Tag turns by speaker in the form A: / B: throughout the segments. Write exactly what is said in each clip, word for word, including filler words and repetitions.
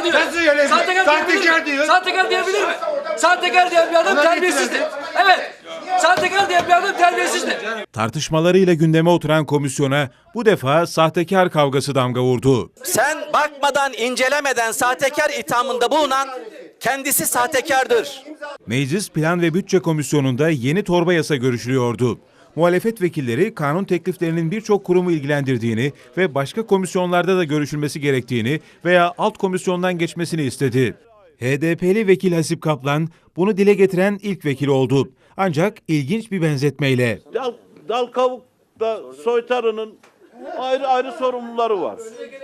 A: diyor.
B: Nasıl öyle?
A: Sahtekar,
B: Sahtekar diyor.
A: Sahtekar diyebilir mi? Sahtekar diyen bir adam terbiyesizdir. Evet. Sahtekar diyen bir adam terbiyesizdir.
C: Tartışmalarıyla gündeme oturan komisyona bu defa sahtekar kavgası damga vurdu.
D: Sen bakmadan, incelemeden sahtekar ithamında bulunan kendisi sahtekardır.
C: Meclis Plan ve Bütçe Komisyonu'nda yeni torba yasa görüşülüyordu. Muhalefet vekilleri kanun tekliflerinin birçok kurumu ilgilendirdiğini ve başka komisyonlarda da görüşülmesi gerektiğini veya alt komisyondan geçmesini istedi. H D P'li vekil Hasip Kaplan bunu dile getiren ilk vekil oldu. Ancak ilginç bir benzetmeyle.
E: Dal, dal kavukta soytarının ayrı ayrı sorumluları var.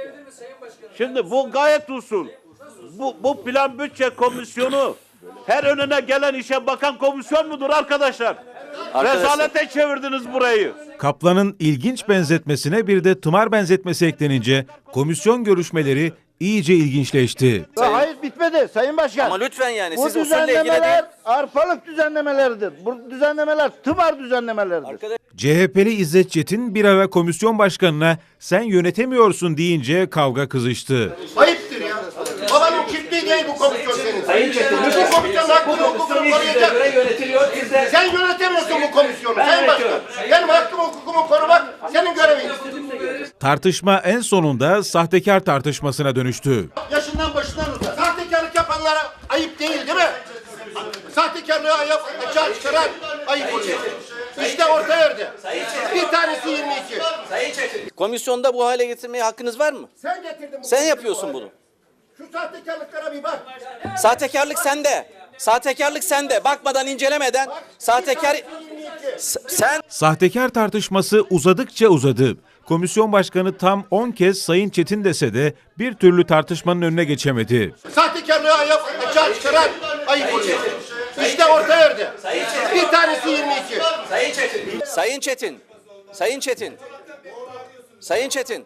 E: Şimdi bu gayet usul. Bu, bu plan bütçe komisyonu her önüne gelen işe bakan komisyon mudur arkadaşlar?
D: Arkadaşlar.
E: Rezalete çevirdiniz burayı.
C: Kaplan'ın ilginç benzetmesine bir de tımar benzetmesi eklenince komisyon görüşmeleri iyice ilginçleşti.
F: Hayır bitmedi Sayın Başkan.
D: Ama lütfen yani
F: Bu
D: siz usulle ilgili değil.
F: düzenlemeler arpalık düzenlemeleridir. Bu düzenlemeler tımar düzenlemeleridir.
D: Arkadaş-
C: C H P'li İzzet Çetin bir ara komisyon başkanına sen yönetemiyorsun deyince kavga kızıştı.
B: Ayıptır ya. Babanın çiftliği değil bu komisyon senin. Sayın Çetin. Bu komisyon hakkını hukukunu koruyacak. Sen yönetemiyorsun bu komisyonu. Sayın Başkan. Benim hakkımı hukukumu korumak senin görevin.
C: Tartışma en sonunda sahtekar tartışmasına dönüştü.
B: Yaşından başından uzak. Sahtekarlık yapanlara ayıp değil değil mi? Sahtekarlığı ayıp, açığa çıkaran ayıp oluyor. İşte orta yerde. Bir tanesi yirmi iki.
D: Komisyonda bu hale getirmeye hakkınız var mı?
B: Sen getirdin bu.
D: Sen yapıyorsun bunu.
B: Şu sahtekarlıklara bir bak.
D: Sahtekarlık sende. Sahtekarlık sende. Bakmadan, incelemeden sahtekar... S- Sen...
C: Sahtekar tartışması uzadıkça uzadı. Komisyon başkanı tam on kez Sayın Çetin dese de bir türlü tartışmanın önüne geçemedi.
B: Sahtekarlığı ayıp, açığa çıkaran ayıp oluyor. İşte orta yerde. Bir tanesi yirmi iki.
D: Sayın Çetin. Sayın Çetin. Sayın Çetin.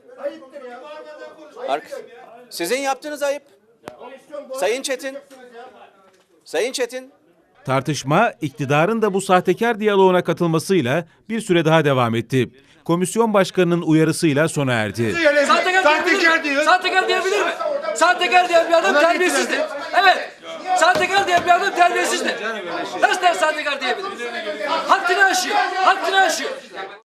D: Ark Sizin yaptığınız ayıp. Sayın Çetin. Sayın Çetin.
C: Tartışma iktidarın da bu sahtekar diyaloğuna katılmasıyla bir süre daha devam etti. Komisyon başkanının uyarısıyla sona erdi.
A: Sahtekar,
B: Sahtekar diyor.
A: Sahtekar diyebilir mi? Sahtekar diyen bir adam terbiyesizdir. Evet. Sahtekar diyen bir adam terbiyesizdir. Nasıl der sahtekar diyebilir? Haddini aşıyor. Haddini aşıyor.